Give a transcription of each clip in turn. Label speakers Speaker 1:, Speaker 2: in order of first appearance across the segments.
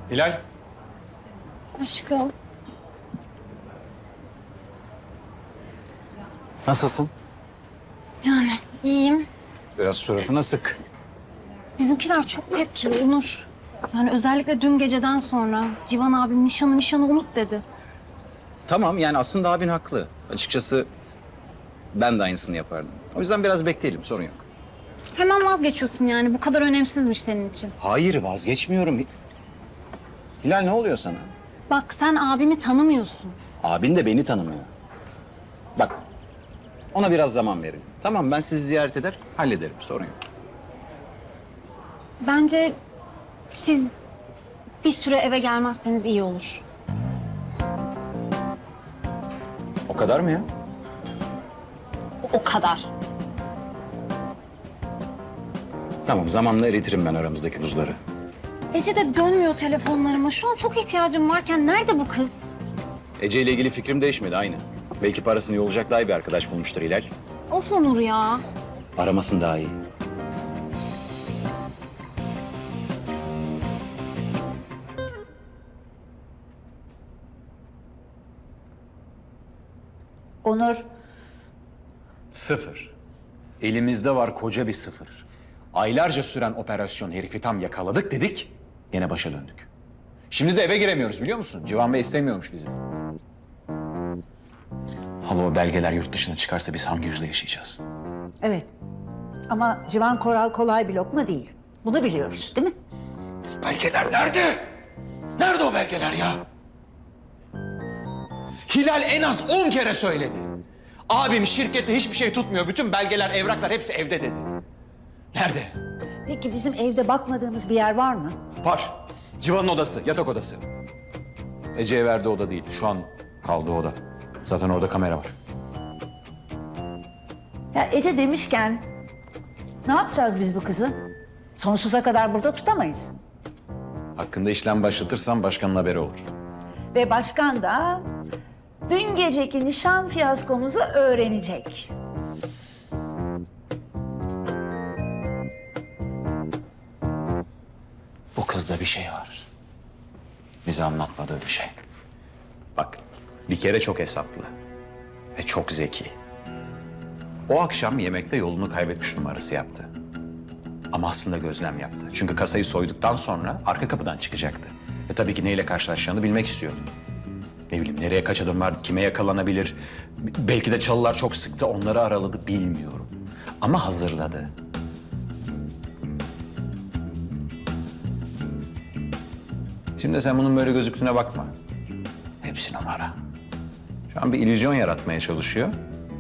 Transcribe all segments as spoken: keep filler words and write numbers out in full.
Speaker 1: Hilal.
Speaker 2: Aşkım.
Speaker 1: Nasılsın?
Speaker 2: Yani iyiyim.
Speaker 1: Biraz suratına sık.
Speaker 2: Bizimkiler çok tepkili Onur. Yani özellikle dün geceden sonra Civan abim nişanı nişanı unut dedi.
Speaker 1: Tamam yani aslında abin haklı. Açıkçası ben de aynısını yapardım. O yüzden biraz bekleyelim, sorun yok.
Speaker 2: Hemen vazgeçiyorsun yani bu kadar önemsizmiş senin için.
Speaker 1: Hayır, vazgeçmiyorum. Hilal, ne oluyor sana?
Speaker 2: Bak sen abimi tanımıyorsun.
Speaker 1: Abin de beni tanımıyor. Bak, ona biraz zaman verin. Tamam, ben sizi ziyaret eder, hallederim, sorun yok.
Speaker 2: Bence siz bir süre eve gelmezseniz iyi olur.
Speaker 1: O kadar mı ya?
Speaker 2: O kadar.
Speaker 1: Tamam, zamanla eritirim ben aramızdaki buzları.
Speaker 2: Ece de dönmüyor telefonlarıma. Şu an çok ihtiyacım varken nerede bu kız?
Speaker 1: Ece ile ilgili fikrim değişmedi, aynı. Belki parasını yollayacak daha iyi bir arkadaş bulmuştur Hilal.
Speaker 2: Of Onur ya.
Speaker 1: Aramasın daha iyi.
Speaker 3: Onur,
Speaker 4: Sıfır. Elimizde var koca bir sıfır. Aylarca süren operasyon herifi tam yakaladık dedik, yine başa döndük. Şimdi de eve giremiyoruz biliyor musun? Civan Bey istemiyormuş bizi. Hala o belgeler yurt dışına çıkarsa biz hangi yüzle yaşayacağız?
Speaker 3: evet. Ama Civan Koral kolay bir lokma değil. Bunu biliyoruz, değil mi?
Speaker 4: Belgeler nerede? Nerede o belgeler ya? Hilal en az on kere söyledi. Abim şirkette hiçbir şey tutmuyor. Bütün belgeler, evraklar hepsi evde dedi. Nerede?
Speaker 3: Peki bizim evde bakmadığımız bir yer var mı?
Speaker 4: Var. Civan'ın odası, yatak odası. Ece'ye verdiği oda değil. Şu an kaldığı oda. Zaten orada kamera var.
Speaker 3: Ya Ece demişken ne yapacağız biz bu kızı? Sonsuza kadar burada tutamayız.
Speaker 4: Hakkında işlem başlatırsam başkanın haberi olur.
Speaker 3: Ve başkan da dün geceki nişan fiyaskomuzu öğrenecek.
Speaker 4: Bu kızda bir şey var. Bize anlatmadığı bir şey. Bak, bir kere çok hesaplı ve çok zeki. O akşam yemekte yolunu kaybetmiş numarası yaptı. Ama aslında gözlem yaptı. Çünkü kasayı soyduktan sonra arka kapıdan çıkacaktı. Ve tabii ki neyle karşılaşacağını bilmek istiyordu. Ne bileyim, nereye kaç adım var, kime yakalanabilir. Belki de çalılar çok sıktı, onları araladı, bilmiyorum. Ama hazırladı. Şimdi sen bunun böyle gözüktüğüne bakma. Hepsi numara. Şu an bir illüzyon yaratmaya çalışıyor.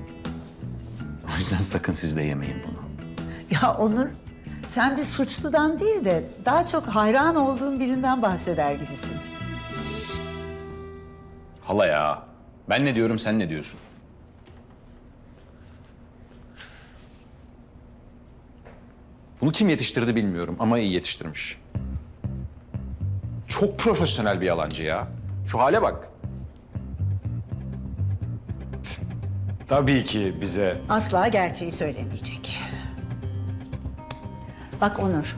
Speaker 4: O yüzden sakın siz de yemeyin bunu.
Speaker 3: Ya Onur, sen bir suçludan değil de daha çok hayran olduğun birinden bahseder gibisin.
Speaker 4: Hala ya. Ben ne diyorum, sen ne diyorsun? Bunu kim yetiştirdi bilmiyorum ama iyi yetiştirmiş. Çok profesyonel bir yalancı ya. Şu hale bak. Tabii ki bize...
Speaker 3: Asla gerçeği söylemeyecek. Bak Onur,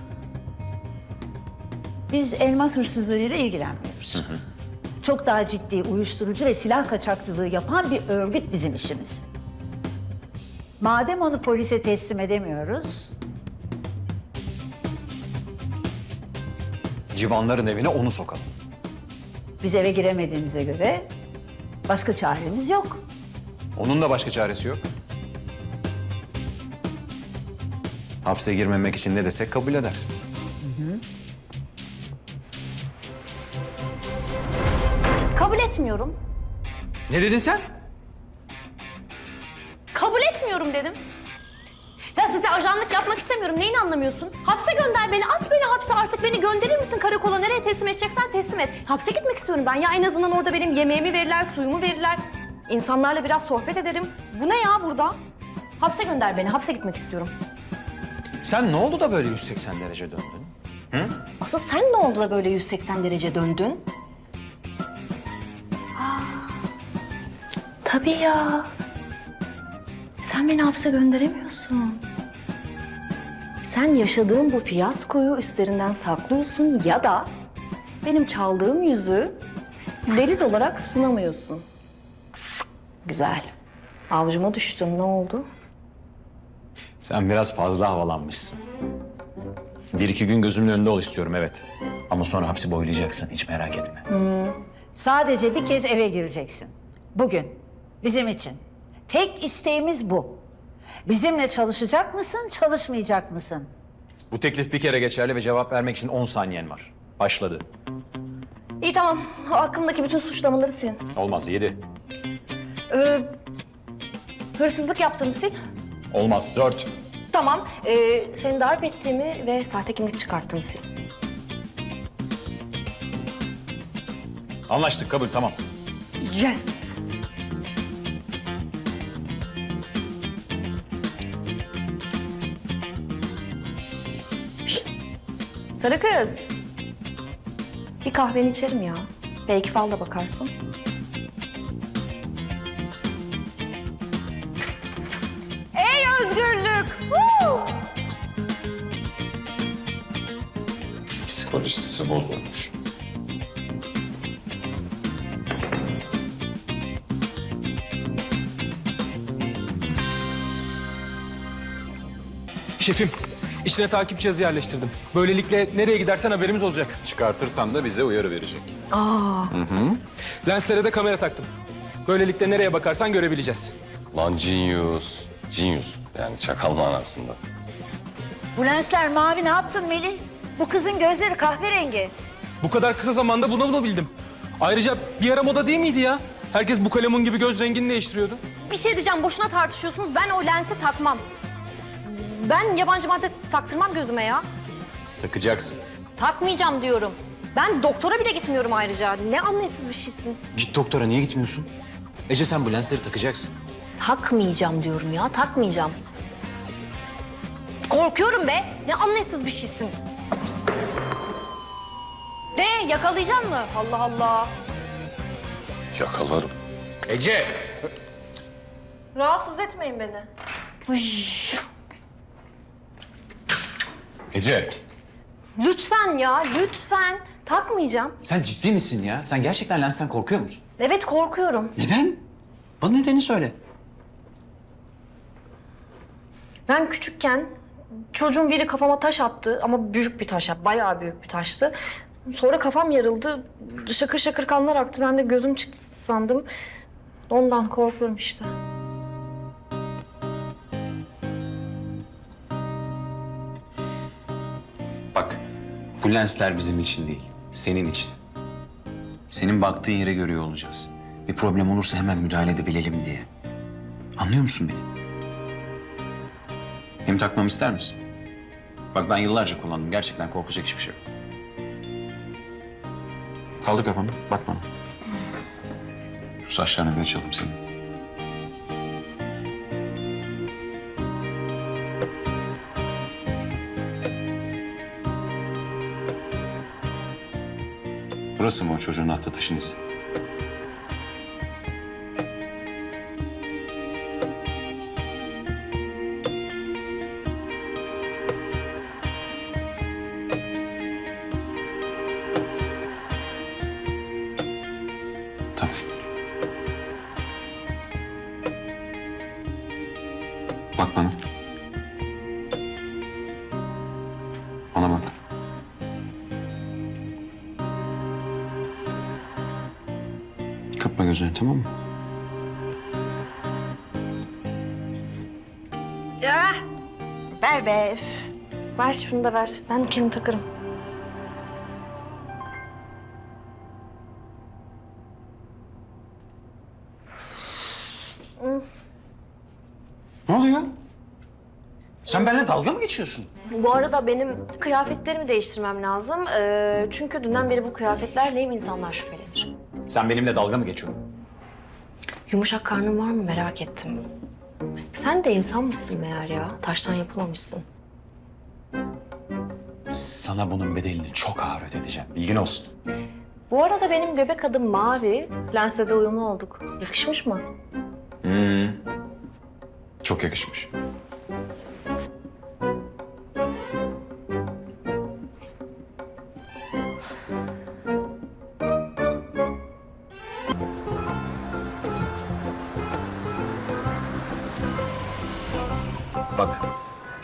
Speaker 3: biz elmas hırsızlığıyla ilgilenmiyoruz. Hı hı. Çok daha ciddi uyuşturucu ve silah kaçakçılığı yapan bir örgüt bizim işimiz. Madem onu polise teslim edemiyoruz,
Speaker 4: Civanların evine onu sokalım.
Speaker 3: biz eve giremediğimize göre başka çaremiz yok.
Speaker 4: Onun da başka çaresi yok. Hapse girmemek için ne desek kabul eder.
Speaker 5: Kabul etmiyorum.
Speaker 4: Ne dedin sen?
Speaker 5: Kabul etmiyorum dedim. Ya size ajanlık yapmak istemiyorum. Neyini anlamıyorsun? Hapse gönder beni. At beni hapse artık. Beni gönderir misin karakola? Nereye teslim edeceksen teslim et. Hapse gitmek istiyorum ben. Ya en azından orada benim yemeğimi verirler, suyumu verirler. İnsanlarla biraz sohbet ederim. Bu ne ya burada? Hapse gönder beni. Hapse gitmek istiyorum.
Speaker 4: Sen ne oldu da böyle yüz seksen derece döndün?
Speaker 5: Asıl sen ne oldu da böyle yüz seksen derece döndün? Aa, tabii ya. Sen beni hapse gönderemiyorsun. Sen yaşadığın bu fiyaskoyu üstlerinden saklıyorsun ya da benim çaldığım yüzüğü delil olarak sunamıyorsun. Güzel. Avucuma düştün, ne oldu?
Speaker 4: Sen biraz fazla havalanmışsın. Bir iki gün gözümün önünde ol istiyorum, evet. Ama sonra hapsi boylayacaksın, hiç merak etme.
Speaker 3: Sadece bir kez eve gireceksin. Bugün. Bizim için. Tek isteğimiz bu. Bizimle çalışacak mısın, çalışmayacak mısın?
Speaker 4: Bu teklif bir kere geçerli ve cevap vermek için on saniyen var. Başladı.
Speaker 5: İyi tamam, hakkımdaki bütün suçlamaları silin.
Speaker 4: Olmaz, yedi.
Speaker 5: Ee, hırsızlık yaptığımı sil.
Speaker 4: Olmaz, dört.
Speaker 5: Tamam, ee, seni darp ettiğimi ve sahte kimlik çıkarttığımı sil.
Speaker 4: Anlaştık, kabul, tamam.
Speaker 5: Yes! Şişt! Sarı kız. Bir kahveni içerim ya. Belki fal da bakarsın. Ey özgürlük! Woo!
Speaker 6: Psikolojisi bozulmuş.
Speaker 7: Şefim, içine takip cihazı yerleştirdim. Böylelikle nereye gidersen haberimiz olacak.
Speaker 4: Çıkartırsan da bize uyarı verecek.
Speaker 7: Lenslere de kamera taktım. Böylelikle nereye bakarsan görebileceğiz.
Speaker 6: Lan genius. Genius. Yani çakal manasında.
Speaker 3: Bu lensler mavi, ne yaptın Melih? Bu kızın gözleri kahverengi.
Speaker 7: Bu kadar kısa zamanda bunu bulabildim. Ayrıca bir ara moda değil miydi ya? Herkes bu kalemun gibi göz rengini değiştiriyordu.
Speaker 5: Bir şey diyeceğim, boşuna tartışıyorsunuz. Ben o lensi takmam. Ben yabancı madde taktırmam gözüme ya.
Speaker 4: Takacaksın.
Speaker 5: Takmayacağım diyorum. Ben doktora bile gitmiyorum ayrıca. Ne anlayışsız bir şeysin.
Speaker 4: Git doktora, niye gitmiyorsun? Ece, sen bu lensleri takacaksın.
Speaker 5: Takmayacağım diyorum ya, takmayacağım. Korkuyorum be. Ne anlayışsız bir şeysin. De yakalayacaksın mı? Allah Allah.
Speaker 6: Yakalarım.
Speaker 4: Ece!
Speaker 5: Rahatsız etmeyin beni.
Speaker 4: Ece!
Speaker 5: Lütfen ya, lütfen. Takmayacağım.
Speaker 4: Sen ciddi misin ya? Sen gerçekten lensten korkuyor musun?
Speaker 5: Evet, korkuyorum.
Speaker 4: Neden? Bana nedeni söyle.
Speaker 5: Ben küçükken çocuğun biri kafama taş attı ama büyük bir taş, bayağı büyük bir taştı. Sonra kafam yarıldı, şakır şakır kanlar aktı. Ben de gözüm çıktı sandım. Ondan korkuyorum işte.
Speaker 4: Bak, bu lensler bizim için değil, senin için. Senin baktığın yere görüyor olacağız. Bir problem olursa hemen müdahale edebilelim diye. Anlıyor musun beni? Hem takmamı ister misin? Bak, ben yıllarca kullandım. Gerçekten korkacak hiçbir şey yok. Kaldır kafanı, bak bana. Şu saçlarını bir açalım senin. Burası mı o çocuğun attığı taşın izi? Tamam. Bak bana. Bana bak. Kapma gözünü, tamam mı?
Speaker 5: Ya, ver be. Üf. Ver şunu da ver. Ben kendim takarım.
Speaker 4: Ne oluyor? Sen benimle dalga mı geçiyorsun?
Speaker 5: Bu arada benim kıyafetlerimi değiştirmem lazım. Ee, çünkü dünden beri bu kıyafetlerleyim, insanlar şüphelenir.
Speaker 4: Sen benimle dalga mı geçiyorsun?
Speaker 5: Yumuşak karnın var mı merak ettim. Sen de insan mısın meğer ya? Taştan yapılmamışsın.
Speaker 4: Sana bunun bedelini çok ağır ödeteceğim. Bilgin olsun.
Speaker 5: Bu arada benim göbek adım mavi. Lensle de uyumlu olduk. Yakışmış mı?
Speaker 4: Hmm. Çok yakışmış.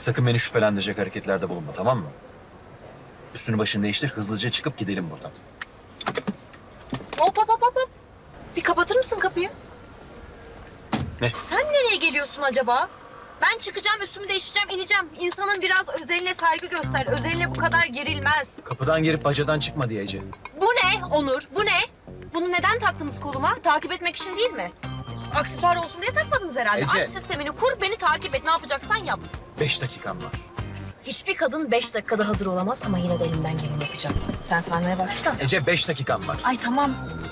Speaker 8: Sakın beni şüphelendirecek hareketlerde bulunma, tamam mı? Üstünü başını değiştir, hızlıca çıkıp gidelim buradan.
Speaker 5: Hop hop hop hop. Bir kapatır mısın kapıyı?
Speaker 8: Ne?
Speaker 5: Sen nereye geliyorsun acaba? Ben çıkacağım, üstümü değiştireceğim, ineceğim. İnsanın biraz özeline saygı göster. Özeline bu kadar gerilmez.
Speaker 8: Kapıdan girip bacadan çıkma diye Ece.
Speaker 5: Bu ne Onur? Bu ne? Bunu neden taktınız koluma? Takip etmek için değil mi? Aksesuar olsun diye takmadınız herhalde.
Speaker 8: Ece.
Speaker 5: Aç sistemini kur, beni takip et. Ne yapacaksan yap.
Speaker 8: Beş dakikam var.
Speaker 5: Hiçbir kadın beş dakikada hazır olamaz ama yine de elimden geleni yapacağım. Sen sahneye başla.
Speaker 8: Ece beş dakikam var.
Speaker 5: Ay tamam.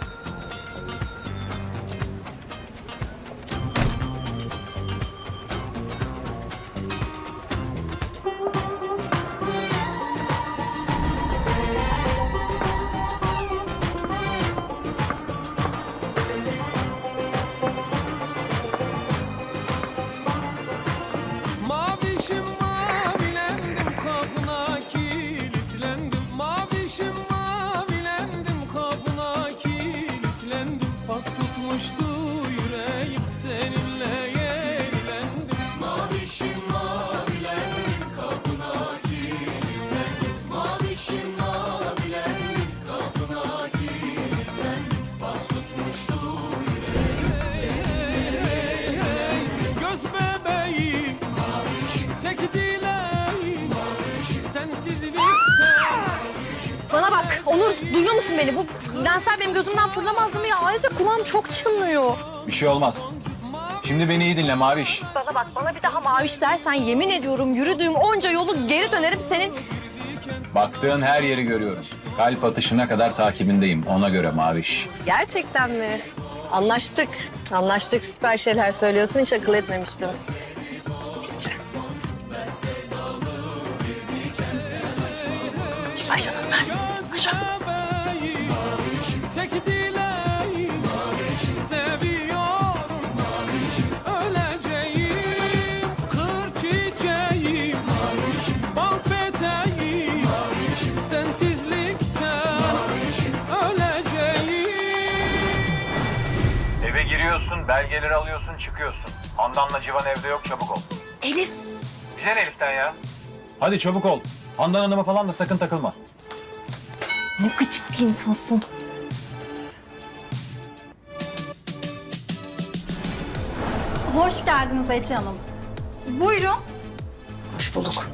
Speaker 9: Mavişim mavilendim kabına kilitlendim. Mavişim mavilendim kabına kilitlendim. Pas tutmuştu yüreğim seninle yenilendim. Mavişim mavilendim kabına kilitlendim. Mavişim mavilendim kabına kilitlendim. Pas tutmuştu yüreğim seninle yenilendim. Göz bebeğim tek dileğim sensizlikten.
Speaker 5: Bana bak Onur, duyuyor musun beni? Bu lensler benim gözümden fırlamaz mı ya? Ayrıca kulağım çok çınlıyor.
Speaker 4: Bir şey olmaz. Şimdi beni iyi dinle Maviş.
Speaker 5: Bana bak, bana bir daha maviş dersen yemin ediyorum yürüdüğüm onca yolu geri dönerim senin.
Speaker 4: Baktığın her yeri görüyorum. Kalp atışına kadar takibindeyim. Ona göre Maviş.
Speaker 5: Gerçekten mi? Anlaştık. Anlaştık, süper şeyler söylüyorsun. Hiç akıl etmemiştim. Başladım ben.
Speaker 9: Göz bebeğim tek dileğim seviyorum öleceğim kır çiçeğim bal peteğim sensizlikten öleceğim.
Speaker 4: Eve giriyorsun, belgeleri alıyorsun, çıkıyorsun. Handan'la Civan evde yok, çabuk ol.
Speaker 5: Elif.
Speaker 4: Bize ne Elif'ten ya? Hadi çabuk ol. Handan Hanım'a falan da sakın takılma.
Speaker 2: Ne gıcık bir insansın. Hoş geldiniz Ece Hanım. Buyurun.
Speaker 5: Hoş bulduk.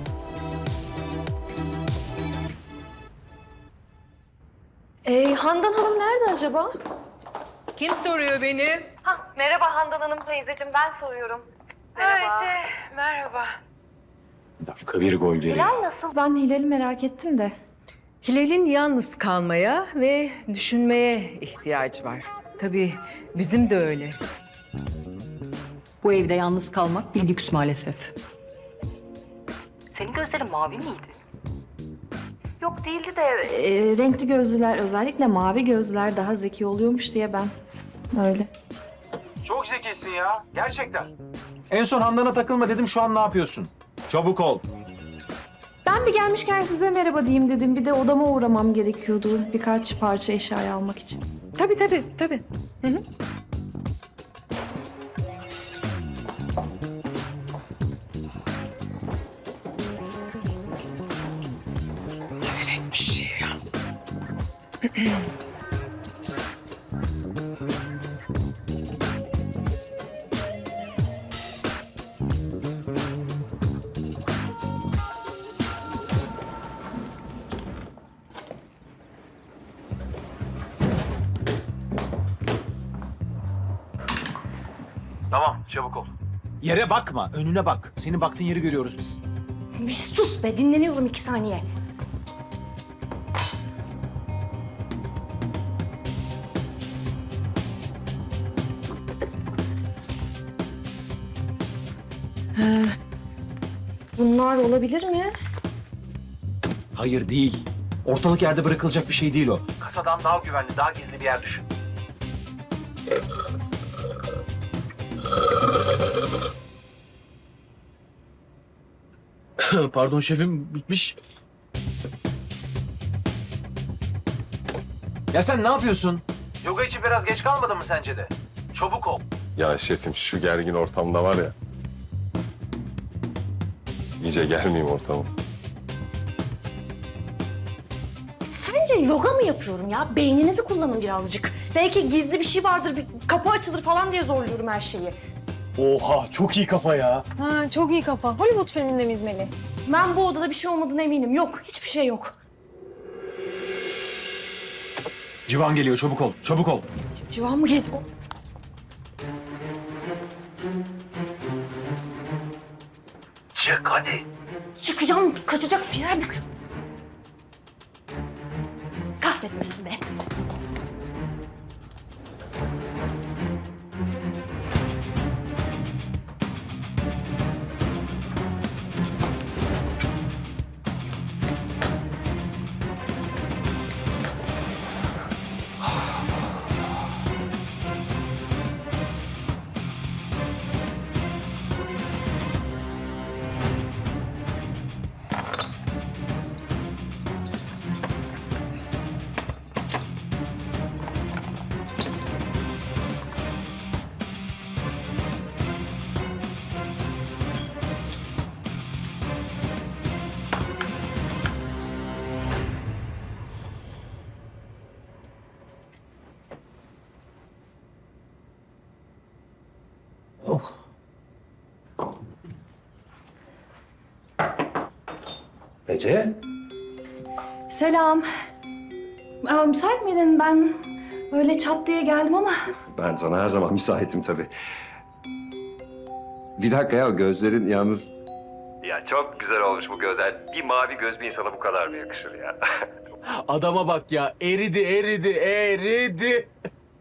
Speaker 5: Ee, Handan Hanım nerede acaba?
Speaker 10: Kim soruyor beni?
Speaker 5: Merhaba Handan Hanım teyzeciğim, ben soruyorum. Merhaba.
Speaker 10: Merhaba.
Speaker 4: Bir dakika bir gol geliyor.
Speaker 5: Nasıl? Ben Hilal'i merak ettim de.
Speaker 10: Hilal'in yalnız kalmaya ve düşünmeye ihtiyacı var. Tabii bizim de öyle.
Speaker 11: Bu evde yalnız kalmak bir lüks maalesef.
Speaker 5: Senin gözlerin mavi miydi? Yok değildi de
Speaker 3: Ee, renkli gözlüler, özellikle mavi gözlüler daha zeki oluyormuş diye ben öyle.
Speaker 8: Çok zekisin ya, gerçekten. En son Handan'a takılma dedim, şu an ne yapıyorsun? Çabuk ol.
Speaker 3: Ben bir gelmişken size merhaba diyeyim dedim. Bir de odama uğramam gerekiyordu birkaç parça eşyayı almak için.
Speaker 10: Tabii tabii tabii. Hı hı. Hayret bir şey ya.
Speaker 8: Tamam, çabuk ol. Yere bakma, önüne bak. Senin baktığın yeri görüyoruz biz.
Speaker 3: Bir sus be, dinleniyorum iki saniye. Bunlar olabilir mi?
Speaker 8: Hayır değil. Ortalık yerde bırakılacak bir şey değil o. Kasadan daha güvenli, daha gizli bir yer düşün. Pardon şefim, bitmiş. Ya sen ne yapıyorsun? Yoga için biraz geç kalmadın mı sence de? Çabuk ol.
Speaker 6: Ya şefim şu gergin ortamda var ya. İyice gelmeyeyim ortama.
Speaker 5: Sence yoga mı yapıyorum ya? Beyninizi kullanın birazcık. Belki gizli bir şey vardır, bir kapı açılır falan diye zorluyorum her şeyi.
Speaker 7: Oha çok iyi kafa ya.
Speaker 2: Ha, çok iyi kafa. Hollywood filminde miyiz Melih?
Speaker 5: Ben bu odada bir şey olmadığına eminim. Yok, hiçbir şey yok.
Speaker 8: Civan geliyor, çabuk ol, çabuk ol.
Speaker 5: Civan mı geldi?
Speaker 8: Çık hadi.
Speaker 5: Çıkacağım, kaçacak bir yer yok. Kahretmesin be.
Speaker 6: Ece?
Speaker 5: Selam. Aa, müsait miydin? Ben öyle çat diye geldim ama...
Speaker 6: Ben sana her zaman müsaitim tabii. Bir dakika ya, gözlerin yalnız...
Speaker 12: Ya çok güzel olmuş bu gözler. Bir mavi göz bir insana bu kadar mı yakışır ya?
Speaker 7: Adama bak ya eridi eridi eridi.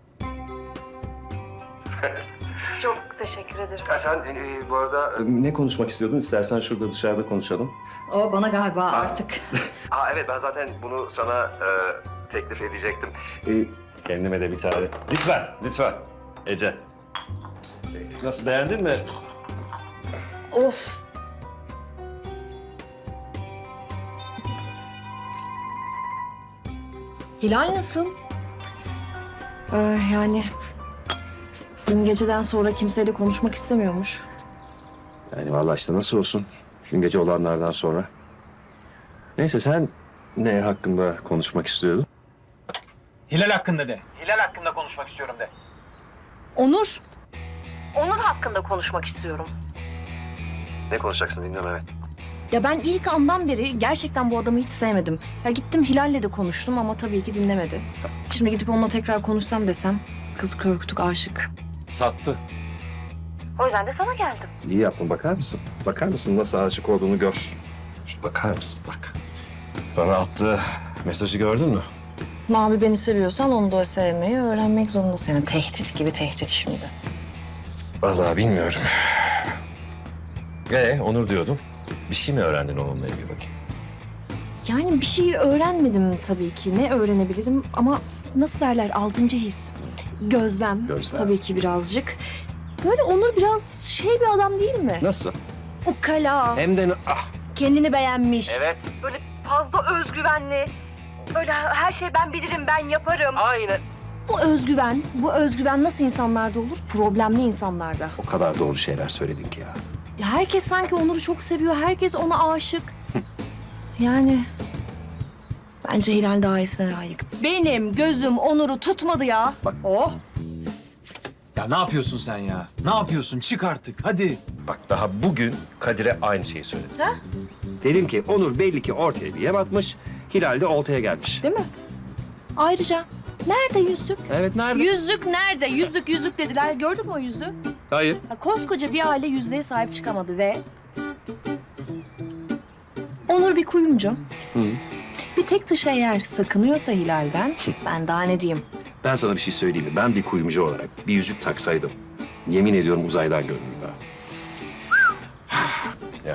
Speaker 5: Çok teşekkür ederim.
Speaker 12: Ya sen e, bu arada...
Speaker 6: Ne konuşmak istiyordun? İstersen şurada dışarıda konuşalım.
Speaker 5: O bana galiba artık.
Speaker 12: Aa evet, ben zaten bunu sana e, teklif edecektim.
Speaker 6: Ee, kendime de bir tane. Lütfen, lütfen. Ece. Nasıl, beğendin mi?
Speaker 5: Of. Hilal nasıl? Ee, yani dün geceden sonra kimseyle konuşmak istemiyormuş.
Speaker 6: Yani vallahi işte nasıl olsun. Dün gece olanlardan sonra. Neyse, sen ne hakkında konuşmak istiyordun?
Speaker 8: Hilal hakkında de. Hilal hakkında konuşmak istiyorum de.
Speaker 5: Onur. Onur hakkında konuşmak istiyorum.
Speaker 12: Ne konuşacaksın, dinliyorum evet.
Speaker 5: Ya ben ilk andan beri gerçekten bu adamı hiç sevmedim. Ya gittim Hilal'le de konuştum ama tabii ki dinlemedi. Şimdi gidip onunla tekrar konuşsam desem kız kör kütük aşık.
Speaker 7: Sattı.
Speaker 5: O yüzden de sana geldim.
Speaker 6: İyi yaptın, bakar mısın? Bakar mısın nasıl aşık olduğunu gör. Şu bakar mısın, bak. Sana attığı mesajı gördün mü?
Speaker 5: Mavi beni seviyorsan onu da sevmeyi öğrenmek zorundasın. Yani tehdit gibi tehdit şimdi.
Speaker 6: Vallahi bilmiyorum. Ee, Onur diyordum. Bir şey mi öğrendin onunla ilgili bakayım?
Speaker 5: Yani bir şey öğrenmedim tabii ki. Ne öğrenebilirim ama nasıl derler altıncı his. Gözlem,
Speaker 6: Gözlem.
Speaker 5: tabii ki birazcık. Böyle Onur biraz şey bir adam değil mi?
Speaker 6: Nasıl?
Speaker 5: Ukala,
Speaker 6: Hem de ah.
Speaker 5: kendini beğenmiş.
Speaker 12: Evet.
Speaker 5: Böyle fazla özgüvenli. Böyle her şey ben bilirim, ben yaparım.
Speaker 12: Aynen.
Speaker 5: Bu özgüven, bu özgüven nasıl insanlarda olur? Problemli insanlarda.
Speaker 6: O kadar doğru şeyler söyledin ki ya.
Speaker 5: Ya herkes sanki Onur'u çok seviyor, herkes ona aşık. Yani bence Hilal daha iyisine layık. Benim gözüm Onur'u tutmadı ya.
Speaker 6: Bak.
Speaker 5: Oh.
Speaker 8: Ya ne yapıyorsun sen ya? Ne yapıyorsun? Çık artık, hadi.
Speaker 6: Bak, daha bugün Kadir'e aynı şeyi söyledim.
Speaker 5: Ha?
Speaker 6: Dedim ki Onur belli ki ortaya bir yem atmış, Hilal de oltaya gelmiş.
Speaker 5: Değil mi? Ayrıca nerede yüzük?
Speaker 6: Evet, nerede?
Speaker 5: Yüzük nerede? Yüzük yüzük dediler. Gördün mü o yüzüğü?
Speaker 6: Hayır.
Speaker 5: Ha, koskoca bir aile yüzüğe sahip çıkamadı ve... Onur bir kuyumcu.
Speaker 6: Hı.
Speaker 5: Bir tek taşı eğer sakınıyorsa Hilal'den, ben daha ne diyeyim?
Speaker 6: Ben sana bir şey söyleyeyim mi? Ben bir kuyumcu olarak bir yüzük taksaydım, yemin ediyorum uzaydan görünür daha. Ya.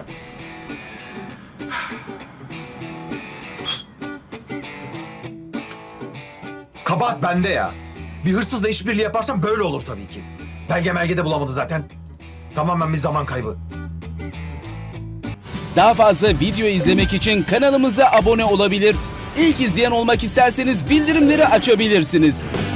Speaker 8: Kabahat bende ya. Bir hırsızla işbirliği yaparsam böyle olur tabii ki. Belge melge de bulamadı zaten. Tamamen bir zaman kaybı.
Speaker 9: Daha fazla video izlemek için kanalımıza abone olabilir. İlk izleyen olmak isterseniz bildirimleri açabilirsiniz.